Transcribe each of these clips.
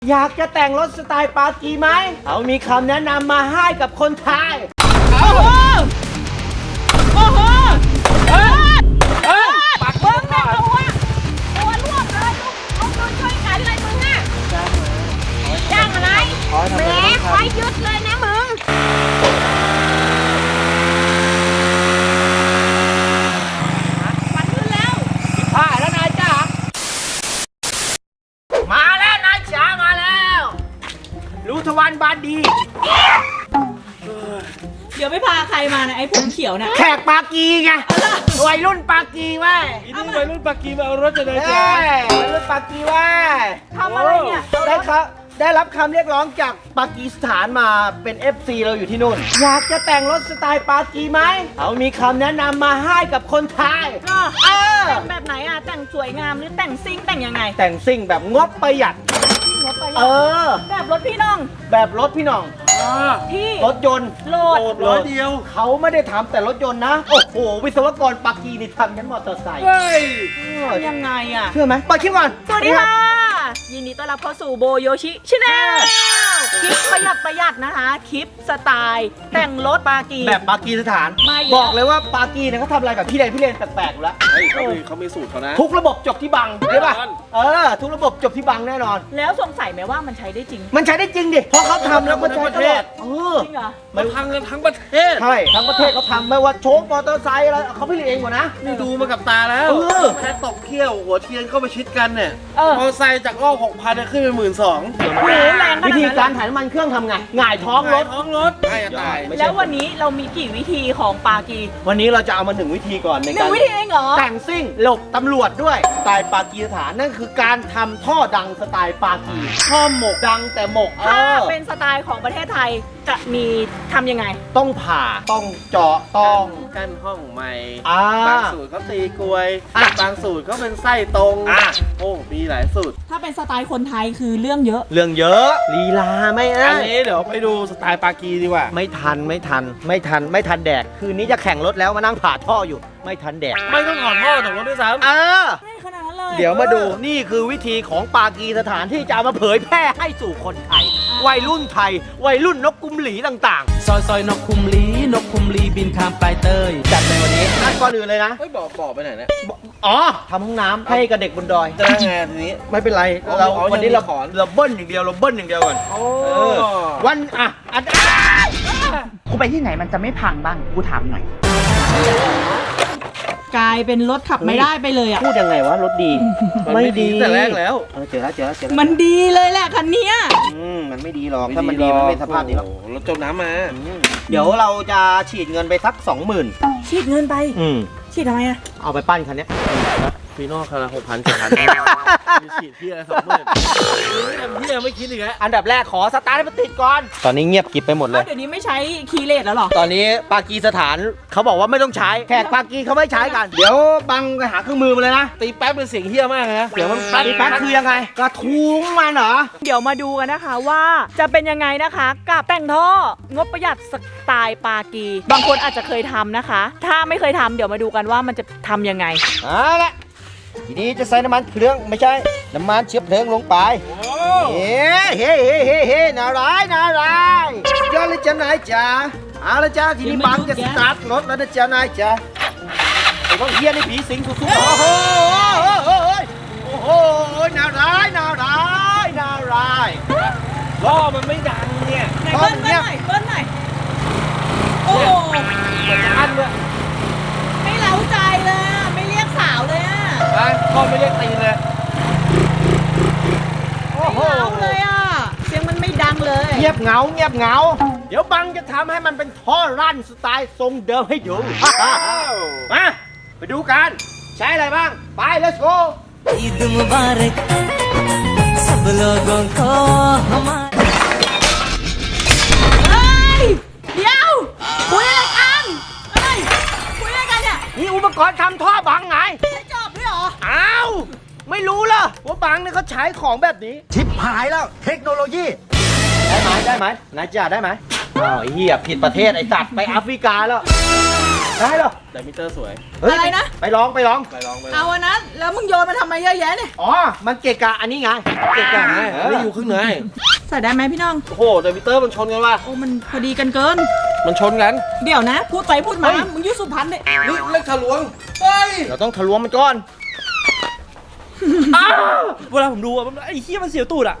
อยากจะแต่งรถสไตล์ปากีไหมเขามีคำแนะนำมาให้กับคนไทยโอ้โหโอ้โหปักเบิ้งแม่ตัวร่วมเลยลูกช่วยกันเลยมึงอ่ะจ้างอะไรแหมไว้ยึดเลยนะมึงปัดขึ้นแล้วผ่าแล้วนายจ๋ามาแล้วนายจ๋ามาแล้วรู้ทวันบานดีเดี๋ยวไม่พาใครมานะไอ้ผมเขียวนะแขกปากีไงวัยรุ่นปากีเว้ยอีนี่วัยรุ่นปากีมาเอารถจะได้จ้าวัยรุ่นปากีเว้ยทำอะไรเนี่ยได้รับคำเรียกร้องจากปากีสถานมาเป็น FC เราอยู่ที่นู่นอยากจะแต่งรถสไตล์ปากีไหมเขามีคำแนะนำมาให้กับคนไทยแต่งแบบไหนอ่ะแต่งสวยงามหรือแต่งซิ่งแต่งยังไงแต่งซิ่งแบบงบประหยัดแบบรถพี่น้องแบบรถพี่น้องที่รถยนต์โหลดร้อยเดียวเขาไม่ได้ทำแต่รถยนต์นะโอ้โหวิศวกรปากีนี่ทำยันมอเตอร์ไซค์ยังไงอ่ะเชื่อไหมไปคลิปก่อนสวัสดีค่ะยินดีต้อนรับเข้าสู่โบโยชิชาแนลคลิปประหยัดนะคะคลิปสไตล์แต่งรถปากีแบบปากีสถานบอกเลยว่าปากีเนี่ยเขาทำอะไรแบบพี่เลนแปลกๆอยู่แล้วเขามีสูตรเขานะทุกระบบจบที่บังใช่ป่ะทุกระบบจบที่บังแน่นอนแล้วสงสัยไหมว่ามันใช้ได้จริงมันใช้ได้จริงดิเพราะเขาทำแล้วก็ใช้ตลอดจริงเหรอมันพังกันทั้งประเทศใช่ทั้งประเทศเขาทำไม่ว่าโชคมอเตอร์ไซค์อะไรเขาผลิตเองหมดนะนี่ดูมากับตาแล้วแค่ตกเขี้ยวหัวเทียนเข้าไปชิดกันเนี่ยมอเตอร์ไซค์จากรอบ6,000ขึ้นเป็น12,000 วิธีการถ่ายน้ำมันเครื่องทำไงหงายท้องรถใช่ตายแล้ววันนี้เรามีกี่วิธีของปากีวันนี้เราจะเอามา1วิธีก่อนในการ 1วิธีเองเหรอแต่งซิ่งหลบตำรวจด้วยสไตล์ปากีสถานนั่นคือการทำท่อดังสไตล์ปากีท่อหมกดังแต่หมกถ้าเป็นสไตล์ของประเทศไทยจะมีทำยังไงต้องผ่าต้องเจาะต้องกั้นห้องใหม่บางสูตรเขาตีกลวยบางสูตรเขาเป็นไส้ตรงโอ้มีหลายสูตรถ้าเป็นสไตล์คนไทยคือเรื่องเยอะลีลาไม่อันนี้เดี๋ยวไปดูสไตล์ปากีดีกว่าไม่ทันแดกคืนนี้จะแข่งรถแล้วมานั่งผ่าท่ออยู่ไม่ทันแดกไม่ต้องถอดท่อจากรถด้วยซ้ำไม่ขนาดนั้นเลยเดี๋ยวมาดูนี่คือวิธีของปากีสถานที่จะเอามาเผยแพร่ให้สู่คนไทยวัยรุ่นไทยวัยรุ่นนกกุมหลีต่างๆซอยนกคุมลีบินข้ามปลายเตยจัดในวันนี้ก่อนอื่นเลยนะบอกไปไหนเนี่ยทำห้องน้ำให้กับเด็กบนดอยจะได้ไงทีนี้ไม่เป็นไรเราวันนี้เราเบิ้ลอย่างเดียวก่อนวันกูไปที่ไหนมันจะไม่พังบ้างกูถามหน่อยกลายเป็นรถขับไม่ได้ไปเลยพูดยังไงวะรถดีไม่ดีแต่แรกแล้วเจอแล้วมันดีเลยแหละคันนี้มันไม่ดีหรอกถ้ามันดีมันไม่สภาพนี้หรอกรถจมน้ำมาเดี๋ยวเราจะฉีดเงินไปสัก 20,000 ฉีดเงินไปฉีดทำไมเอาไปปั้นคันนี้ฟีโน่คันละ6,000 มีฉีดพี่อะไร20,000พี่ยังไม่คิดอีกแล้วอันดับแรกขอสตาร์ทให้มันติดก่อนตอนนี้เงียบกิบไปหมดเลยเดี๋ยวนี้ไม่ใช้คีย์เลสแล้วหรอตอนนี้ปากีสถานเขาบอกว่าไม่ต้องใช้แขกปากีเขาไม่ใช้กันเดี๋ยวบังไปหาเครื่องมือมาเลยนะตีแป๊บเป็นเสียงเฮี้ยมากเลยนะเดี๋ยวมันตีแป๊บคือยังไงกระทุ้งมันเหรอเดี๋ยวมาดูกันนะคะว่าจะเป็นยังไงนะคะกับแต่งท่องบประหยัดสไตล์ปากีบางคนอาจจะเคยทำนะคะถ้าไม่เคยทำเดี๋ยวมาดูกันว่ามันจะทำยังไงเอาละทีนี้จะใส่น้ำมันเครื่องไม่ใช่น้ำมันเชื้อเพลิงลงไปเฮ้นารายยอดเลยจ้านายจ๋าเอาละจ้าทีนี้บังจะสตาร์ทรถแล้วนะจ้านายจ๋าไอ้พวกเฮียในผีสิงสุดๆโอ้โหนารายล้อมันไม่ดังเนี่ยไหนเบิ้ลหน่อยโอ้โหอันเลยไม่เล้าใจเลยไม่เรียกสาวเลยพ่อไม่เรียกตีเลยไม่เล้าเลยเสียงมันไม่ดังเลยเงียบเหงาเดี๋ยวบังจะทำให้มันเป็นท่อรั่นสไตล์ทรงเดิมให้ดูมาไปดูกันใช้อะไรบ้างไป let's go Eid मुबारक सब लोगों को हमारा เดี๋ยวคุยอะไรกันเนี่ยนี่อุปกรณ์ทำท่อบังไงไม่จบด้วยเหรออ้าวไม่รู้เหรอว่าบังเนี่ยเขาใช้ของแบบนี้ชิปหายแล้วเทคโนโลยีได้ไหมนายจ่าได้ไหมอ้าวเฮียผิดประเทศไอ้สัตว์ไปแอฟริกาแล้วได้เหรอไดมิเตอร์สวยเฮ้ยอะไรนะไปลองไปลองเอาอันนั้นแล้วมึงโยนมาทำไมเยอะแยะเนี่ยอ๋อ มันเกะกะอันนี้ไงเก่งกันไงนี่อยู่ครึ่งไหนใส่ได้ไหมพี่น้องโอ้โหไดมิเตอร์มันชนกันว่ะโอ้มันพอดีกันเกินมันชนกันเดี๋ยวนะ พูดไปพูดมา มึงอยุสุพรรณเนี่ยนี่เล็กทะลวงเฮ้ยเราต้องทะลวงมันก่อนเวลาผมดูอะมันไอ้เหี้ยมันเสียวตูดอะ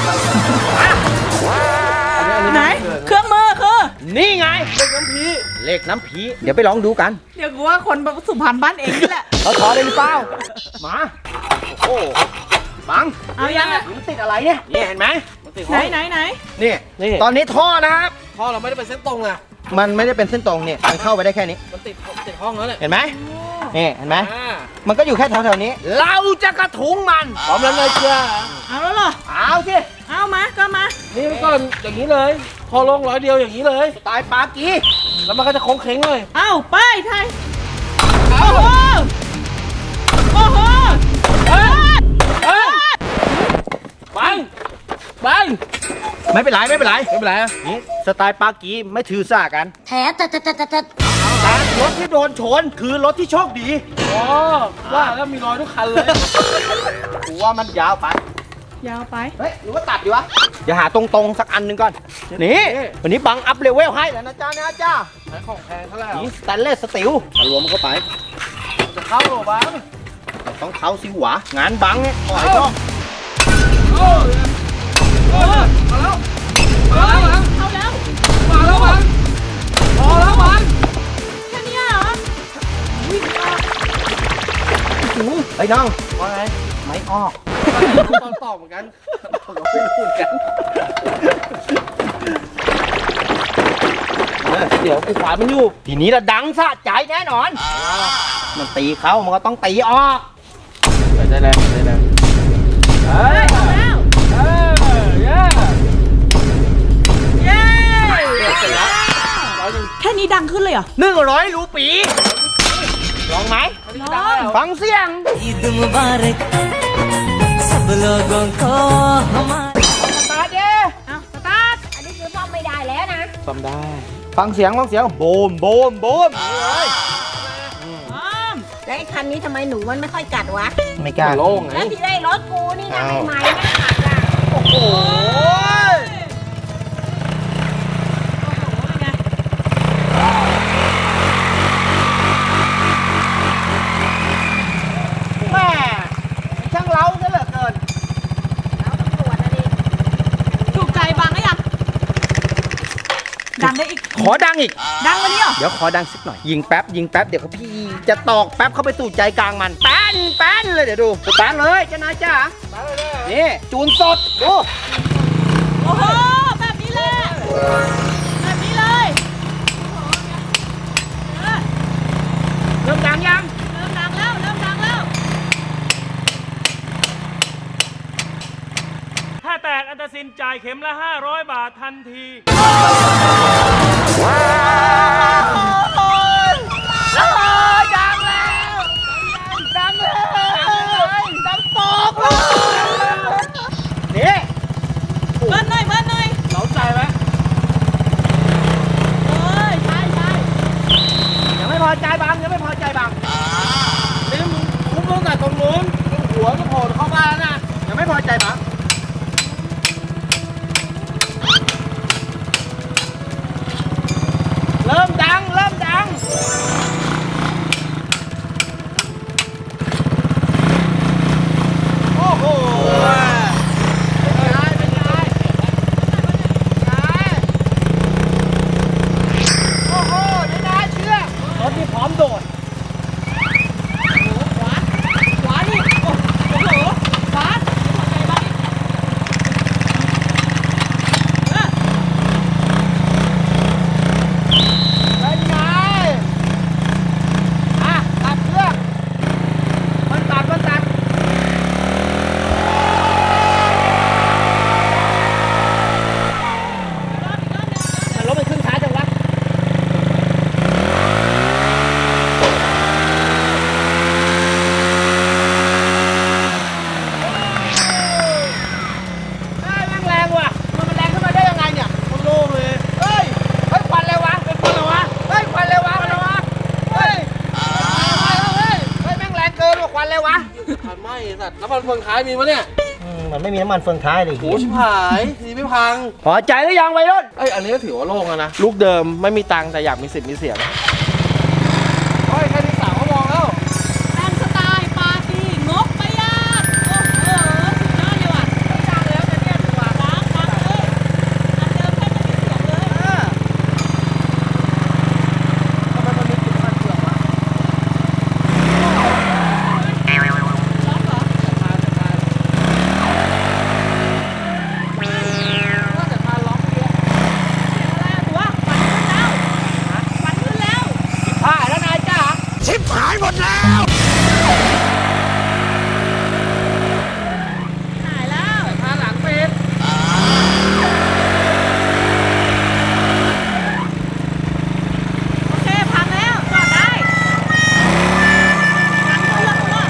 ไหน เครื่องมือคือนี่ไงเล็กน้ำพีเลขน้ำผี เดี๋ยวไปลองดูกันเดี๋ยวกูว่าคนสุพรรณบ้านเองนี่แหละเขาถอได้หรือเปล่า มา โอ้โหบังเอายังอะมันติดอะไรเนี่ยนี่เห็นไหมมันติดไหนไหนไหนนี่นี่ตอนนี้ท่อนะครับท่อเราไม่ได้เป็นเส้นตรงนะมันไม่ได้เป็นเส้นตรงเนี่ย มันเข้าไปได้แค่นี้มันติดห้องแล้วเนี่ยเห็นไหมนี่เห็นไหมอ่ามันก็อยู่แค่แถวๆนี้ เราจะกระทุ้งมันพร้อมแล้วเลยจ้าเอาแล้วเหรอเอาสิเอามาก็มานี่มันก่อนอย่างนี้เลยพอลง100 เดียวอย่างนี้เลยตายปากีแล้วมันก็จะโค้งเค้งเลยเอาไปไทยโอ้โหโอ้โหบังบังไม่เป็นไรไม่เป็นไรไม่เป็นไรอะนี่สไตล์ปากีไม่ถือสากันแท้แต่แต่รถที่โดนชนคือรถที่โชคดีอ๋อว่าแล้วมีรอยทุกคันเลยกูว่ามันยาวไปยาวไปเฮ้ยหรือว่าตัดดีวะเดี๋ยวหาตรงๆสักอันหนึ่งก่อน นี่ วันนี้บังอัพเลเวลให้แล้วนะจ้านะจ้าใช้ของแพงเท่าไหร่นี่สแตนเลสสตีลรวมเข้าไปจะเข้าหรอบ้างต้องเข้าสิหวะงานบังเนี่ยปล่อยก็มาแล้วมาแล้วบังเข้าแล้วมาแล้วบังพอแล้วบังแค่เนี้ยเหรอไอ้ยน้องว่าไงไม่ออกตอนตอบเหมือนกันเราไม่รู้เหมือนกันเดี๋ยวกูขวานมันอยู่ทีนี้ละดังสะใจแน่นอน มันตีเข้ามันก็ต้องตีออกได้แล้วได้แล้วเฮ้ยเข้าแล้วเย้เย้เสร็จแล้ว100 แค่นี้ดังขึ้นเลยเหรอ 100 รูปีลองไหมลองฟังเสียง ईद मुबारक सब लोगों को हमारे ตาเด้เอาสตาร์ทอันนี้คือซ่อมไม่ได้แล้วนะซ่อมได้ฟังเสียงโบมโบมโบมนี่เลยพร้อมแล้วไอ้คันนี้ทำไมหนูมันไม่ค่อยกัดวะไม่กล้าโล่งไงแล้วที่ได้รถกูนี่นะอ้าวใหม่ๆไม่กัดล่ะโอ้โหเป็นไงแม่ช่างเล้าซะเหลือเกินแล้วตำรวจนะดิถูกใจบังหรือยัง ดังได้อีกขอดังอีกดังกว่านี้เหรอเดี๋ยวขอดังสักหน่อย ยิงแป๊บเดี๋ยวพี่จะตอกแป๊บเข้าไปสู่ใจกลางมันแป้นเลยเดี๋ยวดูสตาร์ทเลยเจ้านายจ้านี่จูนสดดูโอ้โห แบบนี้เลย แบบนี้เลยเริ่มดังยังเริ่มดังแล้ว เริ่มดังแล้วถ้าแตกอันตรสินจ่ายเข็มละ 500 บาททันทีนี่เบิ้ลหน่อย เบิ้ลหน่อยเล้าใจไหมเอ้ย ใช่ใช่ยังไม่พอใจบังนี่มึงคุ้มตั้งแต่ตรงนู้นหัวก็โผล่เข้ามาแล้วนะยังไม่พอใจบังเริ่มดังำมันเฟืองท้ายมีปะเนี่ยมันไม่มีน้ำมันเฟืองท้ายเลยโอ้ชิบหายทีไม่พังพอใจหรือยังวัยรุ่นเอ้ยอันนี้ก็ถือว่าโล่งแล้วนะ ลูกเดิมไม่มีตังค์แต่อยากมีสิทธิ์มีเสียงโอ้ยแค่นี้สาวก็มองแล้วแต่งสไตล์ปาร์ตี้งบประหยัดโอ้โหสุดยอดเลยว่ะไม่ดังแล้วจะเนี่ยถือว่าดังเลยอันเดิมแค่ไม่มีเสียงเลยทำไมมันมีกลิ่นมันเฟืองวะร้องเหรอแต่พาล็อกเนี่ยอะไรอะตัวฝันขึ้นแล้วผ่านแล้วนายจ้าชิบหายหมดแล้วหายแล้วพาหลังเป็นโอเคพังแล้วจอดได้พังเครื่องแล้ว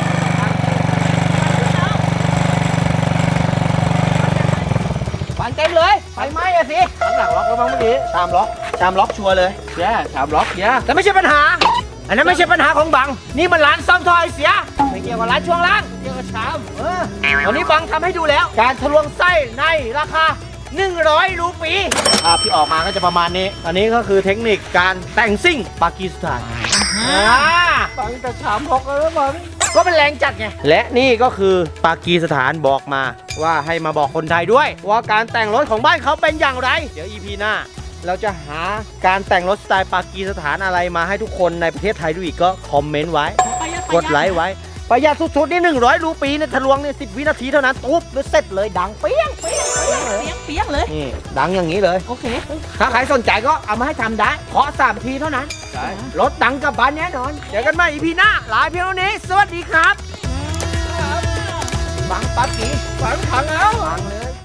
ฝันเต็มเลยไฟไหม้อะสิข้างหลังล็อกแล้วมั้งเมื่อกี้ชามล็อกชัวร์เลยแย่ชามล็อกแย่แต่ไม่ใช่ปัญหา อันนั้นไม่ใช่ปัญหาของบัง นี่มันร้านซ่อมท่อไอเสีย ไม่เกี่ยวกับร้านช่วงล่างเกี่ยวกับชามวันนี้บังทำให้ดูแล้ว การทะลวงไส้ในราคา 100 รูปีที่ออกมาก็จะประมาณนี้ อันนี้ก็คือเทคนิคการแต่งซิ่งปากีสถานฟังแต่ชามล็อกแล้วมั้งก็เป็นแรงจัดไง และนี่ก็คือปากีสถานบอกมาว่าให้มาบอกคนไทยด้วย ว่าการแต่งรถของบ้านเขาเป็นอย่างไร เดี๋ยว EP หน้า เราจะหาการแต่งรถสไตล์ปากีสถานอะไรมาให้ทุกคนในประเทศไทยดูอีกก็คอมเมนต์ไว้ กดไลค์ไว้ ประหยัดสุดๆนี่100 รูปีเนี่ยทะลวงเนี่ย10 วินาทีเท่านั้นตุ๊บแล้วเสร็จเลยดังเปี้ยงเปี้ยงเปี้ยงเลยเปียกเลยนี่ดังอย่างนี้เลยโอเคถ้าใครสนใจก็เอามาให้ทำได้เคาะ3 ทีเท่านั้นใช่รถดังกลับบ้านแน่นอน เจอกันใหม่ EP หน้าลาเพียงเท่านี้ สวัสดีครับ บังปากีฝังพังแล้วบังเลย